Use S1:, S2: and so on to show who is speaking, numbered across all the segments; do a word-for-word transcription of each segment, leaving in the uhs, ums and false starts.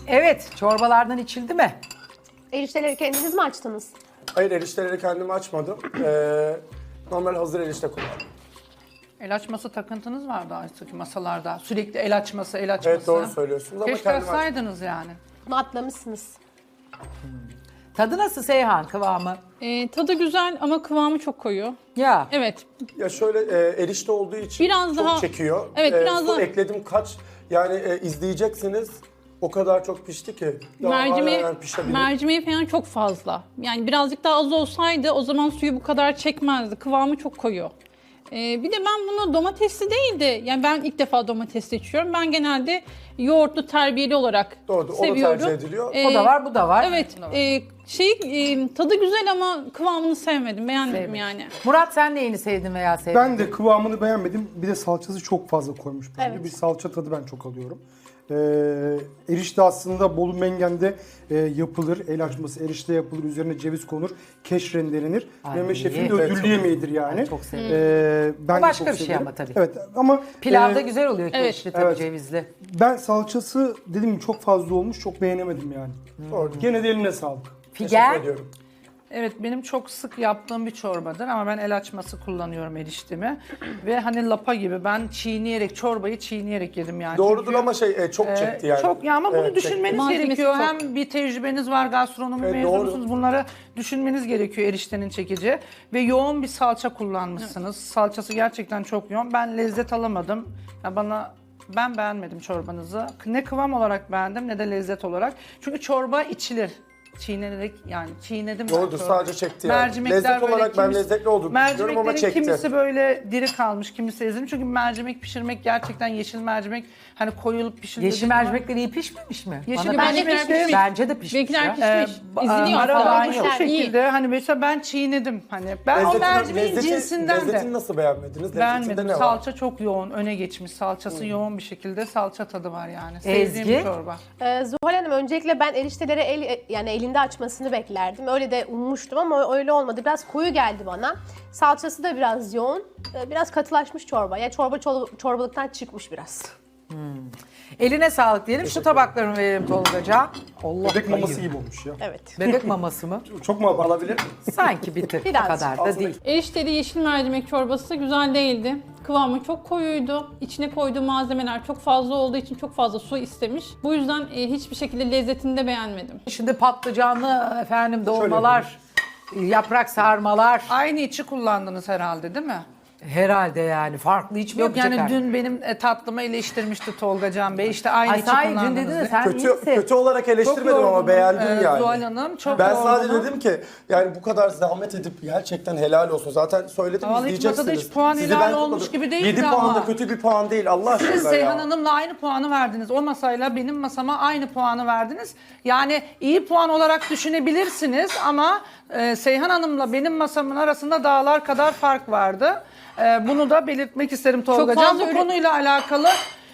S1: Evet, çorbalardan içildi mi?
S2: Erişteleri kendiniz mi açtınız?
S3: Hayır, erişteleri kendim açmadım. Ee, normal hazır erişte kullandım.
S4: El açması takıntınız vardı artık masalarda. Sürekli el açması, el açması.
S3: Evet, doğru söylüyorsunuz ama
S4: Keşke
S3: kendim açtım.
S4: açsaydınız yani.
S2: Bunu atlamışsınız.
S1: Tadı nasıl Seyhan, kıvamı?
S5: Ee, tadı güzel ama kıvamı çok koyu.
S1: Ya.
S5: Evet.
S3: Ya şöyle e, erişte olduğu için
S5: Biraz
S3: çok
S5: daha-
S3: çekiyor.
S5: Evet, biraz
S3: su
S5: daha-
S3: ekledim kaç, yani e, izleyeceksiniz. O kadar çok pişti ki. Daha
S5: Mercimeği,
S3: hala pişebilir.
S5: mercimeği falan çok fazla. Yani birazcık daha az olsaydı o zaman suyu bu kadar çekmezdi. Kıvamı çok koyu. Ee, bir de ben bunu domatesli değil de, yani ben ilk defa domatesli içiyorum. Ben genelde yoğurtlu terbiyeli olarak
S3: Doğru, o da
S5: seviyorum.
S3: tercih ediliyor.
S5: Ee,
S1: O da var, bu da var.
S5: Evet. E, şey e, tadı güzel ama kıvamını sevmedim. Beğenmedim
S1: Sevmedim.
S5: yani.
S1: Murat, sen neyini sevdin veya sevdin?
S6: Ben de kıvamını beğenmedim. Bir de salçası çok fazla koymuş bence.
S2: Evet.
S6: Bir salça tadı ben çok alıyorum. Ee, erişte aslında Bolu Mengen'de e, yapılır. El açması erişte yapılır. Üzerine ceviz konur. Keş rendelenir.
S1: Ay,
S6: Mehmet Şef'in de
S1: evet,
S6: ödüllü
S3: çok-
S6: yemeğidir yani.
S1: Ben çok severim.
S6: Ee, ben
S1: O
S6: de
S1: başka
S6: çok
S1: bir şey
S6: severim.
S1: ama tabii.
S6: Evet ama
S1: Pilavda
S6: e,
S1: güzel oluyor
S5: evet,
S1: keşli tabii,
S6: evet.
S1: cevizli.
S6: ben salçası dediğim gibi çok fazla olmuş. Çok beğenemedim yani.
S3: Doğru.
S6: Gene de eline sağlık.
S3: Teşekkür
S1: Figen,
S3: ediyorum.
S4: Evet, benim çok sık yaptığım bir çorbadır ama ben el açması kullanıyorum eriştemi. Ve hani lapa gibi ben çiğneyerek, çorbayı çiğneyerek yedim yani.
S3: Doğrudur
S4: Çünkü,
S3: ama şey e, çok
S4: e,
S3: çekti yani.
S4: Çok ya ama bunu
S3: Evet, çekti.
S4: düşünmeniz
S5: Malzemesi
S4: gerekiyor.
S5: çok.
S4: Hem bir tecrübeniz var, gastronomi
S3: Evet,
S4: mezunusunuz.
S3: doğru.
S4: Bunları düşünmeniz gerekiyor eriştenin çekici. Ve yoğun bir salça kullanmışsınız. Salçası gerçekten çok yoğun. Ben lezzet alamadım. Ya bana ben beğenmedim çorbanızı. Ne kıvam olarak beğendim ne de lezzet olarak. Çünkü çorba içilir. Çiğnenerek, yani çiğnedim ben
S3: Doğrudur,
S4: çorbayı.
S3: sadece çekti yani.
S4: Mercimekler
S3: Lezzet
S4: böyle
S3: olarak ben
S4: kimisi-
S3: lezzetli olduğunu düşünüyorum ama
S4: mercimeklerin
S3: çekti.
S4: kimisi böyle diri kalmış, kimisi ezilmiş. Çünkü mercimek pişirmek gerçekten yeşil mercimek hani koyulup pişirildiği
S1: yeşil
S4: zaman-
S1: mercimekleri iyi pişmemiş mi?
S4: Yeşil
S1: Bana
S5: bence
S1: pişmiş.
S5: pişmiş.
S1: Bence de pişmiş
S5: Benimkiler
S1: ya.
S5: pişmiş.
S4: Ee,
S5: İzleniyor
S4: ara
S5: hatta.
S4: ben şu
S2: Pişmişler, iyi.
S4: şekilde hani mesela ben çiğnedim hani ben o
S3: Lezzeti-
S4: mercimeğin
S3: lezzeti-
S4: cinsinden
S3: Lezzetini
S4: de
S3: nasıl beğenmediniz? Lezzetinde
S4: beğenmedim.
S3: ne var?
S4: Salça çok yoğun, öne geçmiş. Salçası yoğun bir şekilde salça tadı var yani. Sevdiğim
S1: Ezgi?
S4: bir çorba.
S2: Ee, Zuhal Hanım, öncelikle ben erişteleri el, yani elinde açmasını beklerdim. Öyle de ummuştum ama öyle olmadı. Biraz koyu geldi bana. Salçası da biraz yoğun. Ee, Biraz katılaşmış çorba. Yani çorba çor- çorbalıktan çıkmış biraz.
S1: Eline sağlık diyelim. Şu tabaklarını verelim Tolgaca. Allah
S6: Bebek maması
S1: bayılır.
S6: gibi olmuş ya.
S2: Evet.
S1: Bebek maması mı?
S6: Çok mu alabilir?
S1: Sanki bir tık, o
S2: Biraz.
S1: kadar da değil.
S5: Erişteli yeşil mercimek çorbası güzel değildi. Kıvamı çok koyuydu. İçine koyduğu malzemeler çok fazla olduğu için çok fazla su istemiş. Bu yüzden e, hiçbir şekilde lezzetini de beğenmedim.
S1: Şimdi patlıcanlı efendim dolmalar, yaprak sarmalar.
S4: Aynı içi kullandınız herhalde değil mi?
S1: Herhalde yani farklı hiç mi
S4: Yok
S1: yapacak
S4: yani
S1: artık?
S4: dün benim e, tatlımı eleştirmişti Tolga Can Bey. İşte aynı
S1: Ay
S4: içi
S1: sahi dün
S4: kullandınız
S1: dedin de
S4: diye.
S1: sen
S3: Kötü,
S1: iyisin.
S3: kötü olarak eleştirmedim ama
S4: yorgunum,
S3: beğendim
S4: e,
S3: yani.
S4: Zuhal Hanım çok
S3: Ben sadece
S4: yorgunum.
S3: dedim ki yani bu kadar zahmet edip gerçekten helal olsun. Zaten söyledim,
S4: Vallahi hiç
S3: izleyeceksiniz.
S4: masada hiç puan
S3: Sizi
S4: helal
S3: ben
S4: olmuş
S3: kutladım.
S4: gibi değildi
S3: yedi puan
S4: ama.
S3: da kötü bir puan değil Allah aşkına
S4: Siz
S3: ya.
S4: Seyhan Hanım'la aynı puanı verdiniz. O masayla benim masama aynı puanı verdiniz. Yani iyi puan olarak düşünebilirsiniz ama e, Seyhan Hanım'la benim masamın arasında dağlar kadar fark vardı. E, bunu da belirtmek isterim Tolga Can.
S5: fazla
S4: Bu
S5: ürün-
S4: konuyla alakalı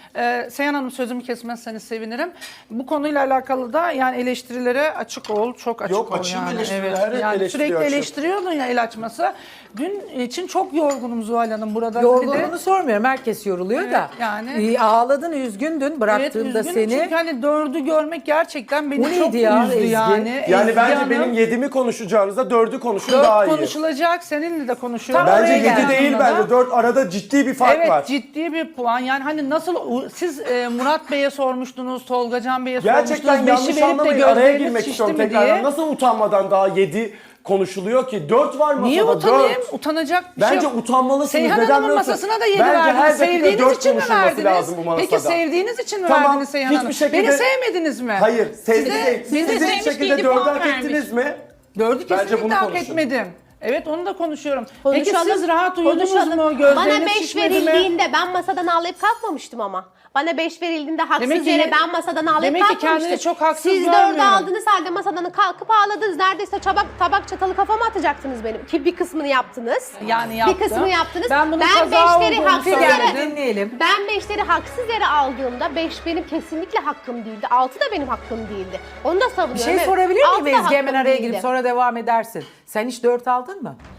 S4: e, Seyhan Hanım sözümü kesmezseniz sevinirim. Bu konuyla alakalı da yani eleştirilere açık ol, çok açık
S3: Yok,
S4: ol
S3: açığım
S4: yani.
S3: eleştiriyor,
S4: Evet.
S3: her
S4: Yani
S3: eleştiriyor
S4: sürekli
S3: açığım.
S4: eleştiriyordun ya el açması. Dün için çok yorgunum Zuhal Hanım burada. Bir de-
S1: Yorgunluğunu sormuyorum. Herkes yoruluyor
S4: Evet,
S1: da.
S4: yani.
S1: İyi, ağladın, üzgündün bıraktığımda
S4: Evet, üzgünüm
S1: seni.
S4: çünkü hani dördü görmek gerçekten beni
S1: O
S4: çok
S1: neydi ya,
S4: üzdü
S1: Ezgi?
S4: yani.
S3: Yani
S4: Ezgi
S3: bence
S4: Hanım,
S3: benim yedimi konuşacağınıza dördü konuşun
S4: dört
S3: daha iyi.
S4: konuşulacak, seninle de konuşuyorum.
S1: Tamam,
S3: Bence
S1: oraya
S3: yedi
S1: gel.
S3: değil bence. Dört arada ciddi bir fark
S4: Evet,
S3: var.
S4: ciddi bir puan. Yani hani nasıl siz e, Murat Bey'e sormuştunuz, Tolga Can Bey'e
S3: Gerçekten
S4: sormuştunuz.
S3: yanlış
S4: Beşi verip de
S3: anlamayın. Araya
S4: gözleriniz
S3: girmek
S4: şişti
S3: istiyorum
S4: mi
S3: tekrardan.
S4: diye.
S3: Nasıl utanmadan daha yedi konuşuluyor ki? Dört var masada.
S4: Niye utanayım?
S3: Dört.
S4: Utanacak bir
S3: Bence
S4: şey yok.
S3: utanmalısınız.
S4: Seyhan
S3: Neden
S4: Hanım'ın
S3: biliyorsun?
S4: masasına da yedi
S3: Bence her
S4: verdiniz.
S3: dakika
S4: Sevdiğiniz
S3: dört
S4: için mi
S3: konuşulması
S4: verdiniz?
S3: lazım bu masada.
S4: Peki sevdiğiniz için mi
S3: Tamam,
S4: verdiniz Seyhan
S3: hiçbir
S4: Hanım?
S3: şekilde-
S4: Beni sevmediniz mi?
S3: Hayır, sevdi
S4: Size-
S3: değil.
S4: biz
S3: Siz
S4: de
S3: hiçbir
S5: sevmiş
S3: şekilde
S5: değildi,
S3: dördü
S5: puan
S3: hak
S5: vermiş.
S3: ettiniz mi?
S4: Dördü
S3: Bence
S4: kesinlikle
S3: bunu
S4: hak
S3: konuşun.
S4: etmedim. Evet onu da konuşuyorum.
S2: Konuşalım,
S4: Peki siz rahat uyudunuz
S2: konuşalım.
S4: mu?
S2: Bana
S4: Gözleriniz
S2: beş
S4: şişmedi mi?
S2: verildiğinde ben masadan ağlayıp kalkmamıştım ama. Bana beş verildiğinde haksız
S4: Demek ki-
S2: yere ben masadan ağlayıp
S4: demek ki
S2: kalkmamıştım.
S4: kendini çok haksız
S2: Siz dördü
S4: görmüyorum.
S2: aldınız halde masadan kalkıp ağladınız. Neredeyse tabak, tabak çatalı kafama atacaktınız benim. Ki bir kısmını yaptınız.
S4: Yani yaptım.
S2: Bir kısmını yaptınız.
S4: Ben bunun
S2: ben
S4: kaza
S2: beşleri
S4: olduğunu
S2: haksız
S1: Gel
S2: yere...
S1: dinleyelim.
S2: Ben beşleri haksız yere aldığımda beş benim kesinlikle hakkım değildi. altı da benim hakkım değildi. Onu da savunuyorum.
S1: Bir şey
S2: Evet,
S1: sorabilir
S2: altı
S1: miyim
S2: da
S1: Ezgi? Hemen
S2: hakkım
S1: araya
S2: değildi.
S1: girip sonra devam edersin. Sen hiç dört aldın mı?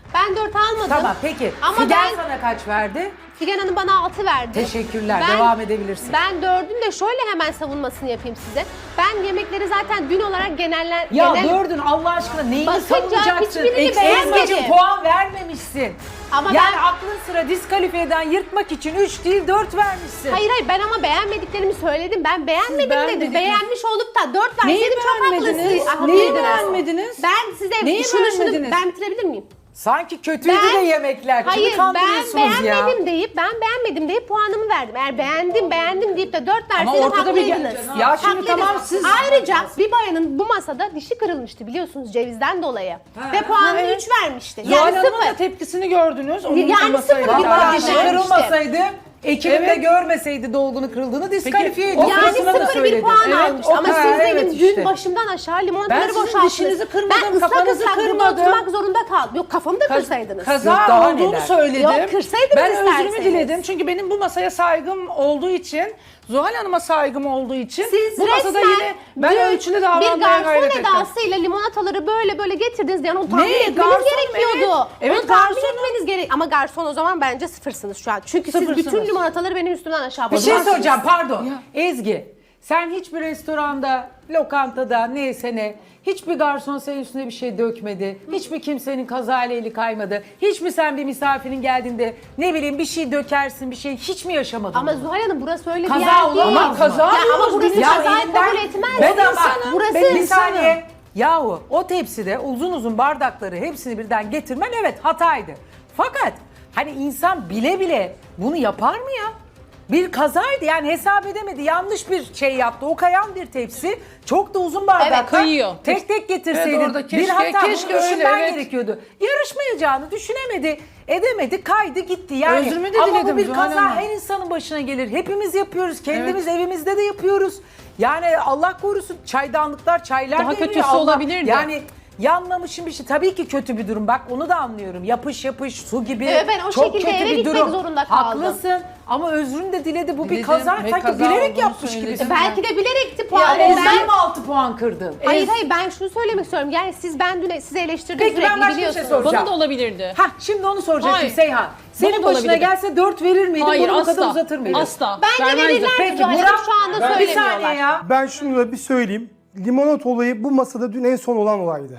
S2: Ben dört almadım.
S1: Tamam peki.
S2: Ama
S1: Figen
S2: ben
S1: sana kaç verdi?
S2: Figen Hanım bana altı verdi.
S1: Teşekkürler.
S2: Ben-
S1: Devam edebilirsin.
S2: Ben dördün de şöyle hemen savunmasını yapayım size. Ben yemekleri zaten dün olarak geneller...
S1: Ya
S2: genel...
S1: dördün Allah aşkına neyini
S2: Bakınca
S1: savunacaksın?
S2: hiçbirini
S1: Eksiğin
S2: beğenmedim.
S1: için puan vermemişsin.
S2: Ama
S1: yani
S2: ben-
S1: aklın sıra diskalifiye'den yırtmak için üç değil dört vermişsin.
S2: Hayır hayır ben ama beğenmediklerimi söyledim. Ben beğenmedim dedim.
S4: beğenmediniz.
S2: Beğenmiş olup da dört
S4: Neyi
S2: verseydim çok
S4: beğenmediniz?
S2: haklısınız.
S4: Neyi
S2: Haklıydınız.
S4: beğenmediniz?
S2: Ben size
S4: Neyi
S2: şunu şunu
S4: beğenmediniz?
S2: ben bitirebilir miyim?
S1: Sanki kötüydü
S2: Ben-
S1: de yemekler. Kimi
S2: Hayır ben
S1: kandırıyorsunuz ya?
S2: beğenmedim deyip ben beğenmedim deyip puanımı verdim. Eğer beğendim beğendim deyip de dört
S4: Ama
S2: verseydim
S4: ortada bir-
S2: haklıydınız.
S4: Ya şimdi
S2: Haklıydınız.
S4: tamam siz-
S2: Ayrıca bir bayanın bu masada dişi kırılmıştı biliyorsunuz cevizden dolayı. Ve puanını
S4: evet.
S2: üç vermişti.
S4: Zuhal
S2: Yani
S4: Hanım'ın da
S2: sıfır.
S4: tepkisini gördünüz. Onun
S2: Yani
S4: da masayla
S2: sıfır bir
S4: beraber.
S2: puan
S1: Vallahi dişi
S2: vermişti.
S1: kırılmasaydı, ekibim de
S4: Evet.
S1: görmeseydi dolgunu kırıldığını diskalifiye
S4: o
S1: ediyor.
S2: Yani
S4: Orasını da
S2: sıfır bir
S1: söyledim.
S2: puan
S4: Evet,
S2: almıştı.
S4: o
S2: Ama
S1: kadar,
S2: siz
S1: evet
S2: benim
S1: işte.
S2: dün başımdan aşağı limonataları
S4: Ben sizin
S2: boşalttınız.
S4: dişinizi kırmadım,
S2: Ben ıslak
S4: kafanızı
S2: ıslak burada
S4: kırmadım.
S2: oturmak zorunda kaldım. Yok kafamı da kırsaydınız.
S4: Kaza
S1: Yok, daha
S4: olduğunu
S1: neler.
S4: söyledim.
S2: Yok, kırsaydınız
S4: ben
S2: isterseniz.
S4: özrümü diledim. Çünkü benim bu masaya saygım olduğu için, Zuhal Hanım'a saygım olduğu için
S2: Siz
S4: bu masada
S2: resmen
S4: yine ben
S2: dün
S4: ölçülü
S2: bir
S4: davranmaya
S2: garson
S4: gayret ettim.
S2: edasıyla limonataları böyle böyle getirdiniz. Yani onu tahmin
S4: Ne?
S2: etmeniz
S4: Garson,
S2: gerekiyordu.
S4: evet. Evet,
S2: onu tahmin
S4: garson.
S2: etmeniz gerek. Ama garson o zaman bence sıfırsınız şu an. Çünkü siz
S4: Sıfırsınız.
S2: bütün limonataları benim üstümden aşağı
S1: Bir şey
S2: basıyorsunuz.
S1: soracağım pardon. Ezgi, sen hiçbir restoranda, lokantada neyse ne, hiçbir garson senin üstüne bir şey dökmedi. Hiçbir kimsenin kazayla eli kaymadı. Hiç mi sen bir misafirin geldiğinde ne bileyim bir şey dökersin bir şey hiç mi yaşamadın?
S2: Ama
S1: bunu?
S2: Zuhal Hanım burası öyle bir
S1: Kaza
S2: yer değil.
S1: olamaz mı?
S4: Kaza
S2: Ya ama
S4: diyoruz
S2: burası
S4: biz.
S1: Ya
S2: kazayı
S1: elinden-
S2: kabul etmez.
S1: Ben de
S2: Burası-
S1: bak,
S2: burası
S1: ben bir saniye. Yahu o tepside uzun uzun bardakları hepsini birden getirmen evet hataydı. Fakat hani insan bile bile bunu yapar mı ya? Bir kazaydı yani hesap edemedi. Yanlış bir şey yaptı. O kayan bir tepsi. Çok da uzun bardaklar.
S5: Evet, kayıyor.
S1: Tek tek getirseydin.
S4: Evet, orada
S1: bir
S4: keşke-
S1: hata
S4: keşke
S1: bunu düşünmen
S4: öyle, evet.
S1: gerekiyordu. Yarışmayacağını düşünemedi. Edemedi. Kaydı gitti. Yani,
S4: Özrümü de
S1: ama bu
S4: diledim
S1: bir
S4: Zuhal
S1: kaza
S4: Hanım.
S1: her insanın başına gelir. Hepimiz yapıyoruz. Kendimiz evimizde de yapıyoruz. Yani Allah korusun çaydanlıklar, çaylar
S5: Daha
S1: devriyor.
S5: kötüsü
S1: Allah-
S5: olabilirdi.
S1: Yani yanmamışım bir şey. Tabii ki kötü bir durum. Bak onu da anlıyorum. Yapış yapış su gibi.
S2: Evet, ben o
S1: çok
S2: şekilde
S1: kötü
S2: eve
S1: bir
S2: gitmek
S1: durum.
S2: zorunda kaldım.
S1: Haklısın ama özrünü de diledi. Bu bir
S4: Diledim
S1: kaza.
S4: ve
S1: Sanki
S4: kaza
S1: bilerek
S4: olduğunu
S1: yapmış
S4: söyledim.
S1: gibisin.
S2: Belki de bilerekti
S1: Ya
S2: puanı.
S1: Ezgi
S2: Ben-
S1: mi altı puan kırdın?
S2: Hayır hayır ben şunu söylemek istiyorum. Yani siz ben dün sizi eleştirdim
S1: Peki, ben
S2: sürekli
S1: başka bir şey
S2: biliyorsunuz.
S1: soracağım.
S5: Bana da olabilirdi.
S1: Hah şimdi onu soracaktım
S5: Hayır.
S1: Seyhan. Senin
S5: Bana da
S1: başına
S5: olabilirdi.
S1: gelse dört verir miydin?
S5: Hayır
S1: Bunu bu kadar
S5: asla.
S1: uzatır mıydın?
S5: Asla.
S2: Bence
S5: Vermezdim.
S2: verirlerdi
S1: Peki
S2: Zuhal Hanım,
S1: Burak
S2: şu anda
S1: bir
S2: söylemiyorlar.
S1: saniye ya.
S6: Ben şunu da bir söyleyeyim. Limonata olayı bu masada dün en son olan olaydı.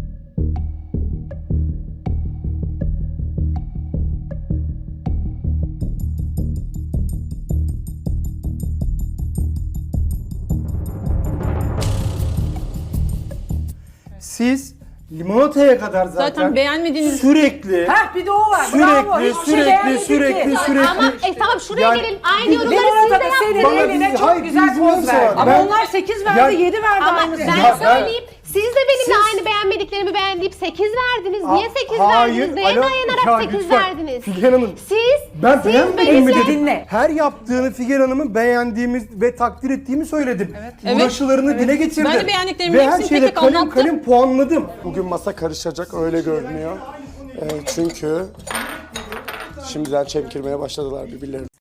S6: Siz limonataya kadar zaten,
S5: Zaten beğenmediğiniz-
S6: sürekli
S1: Hah bir de o var. Bravo.
S6: sürekli
S1: Hiçbir şey
S6: sürekli
S1: beğenmedin
S6: sürekli
S1: ki.
S6: sürekli
S2: Ama e, tamam şuraya
S6: Yani-
S2: gelelim. Aynı
S6: Bir-
S2: yorumları
S1: Limonata
S2: siz de
S1: da
S2: yaptınız.
S1: senin
S6: Bana
S1: eline
S6: biz-
S1: çok
S6: hayır,
S1: güzel
S6: biz
S1: poz
S6: nasıl
S1: verdi.
S6: var?
S4: Ama
S6: Ben-
S4: onlar sekiz verdi,
S6: Yani-
S4: yedi verdi
S2: Ama
S4: aynı
S2: ben
S6: Ya ben-
S2: söyleyeyim. Siz de benimle aynı beğenmediklerimi beğendiğip sekiz verdiniz. Niye
S6: Aa,
S2: sekiz
S6: hayır,
S2: verdiniz? Neye
S6: alo-
S2: dayanarak
S6: Ya
S2: sekiz
S6: lütfen,
S2: verdiniz?
S6: Figen Hanım,
S2: Siz,
S6: ben
S2: siz
S6: beğenmedim mi
S2: benimle-
S6: dedim.
S1: Dinle.
S6: Her yaptığını Figen Hanım'ın beğendiğimiz ve takdir ettiğimi söyledim.
S5: Evet.
S6: Uğraşılarını dile getirdim.
S5: Ben de beğendiklerimin
S6: Ve her
S5: hepsini
S6: şeyde
S5: tek tek
S6: kalim
S5: anlattım.
S6: kalim puanladım. Bugün masa karışacak öyle görünüyor. Ee, çünkü şimdiden çemkirmeye başladılar birbirlerini.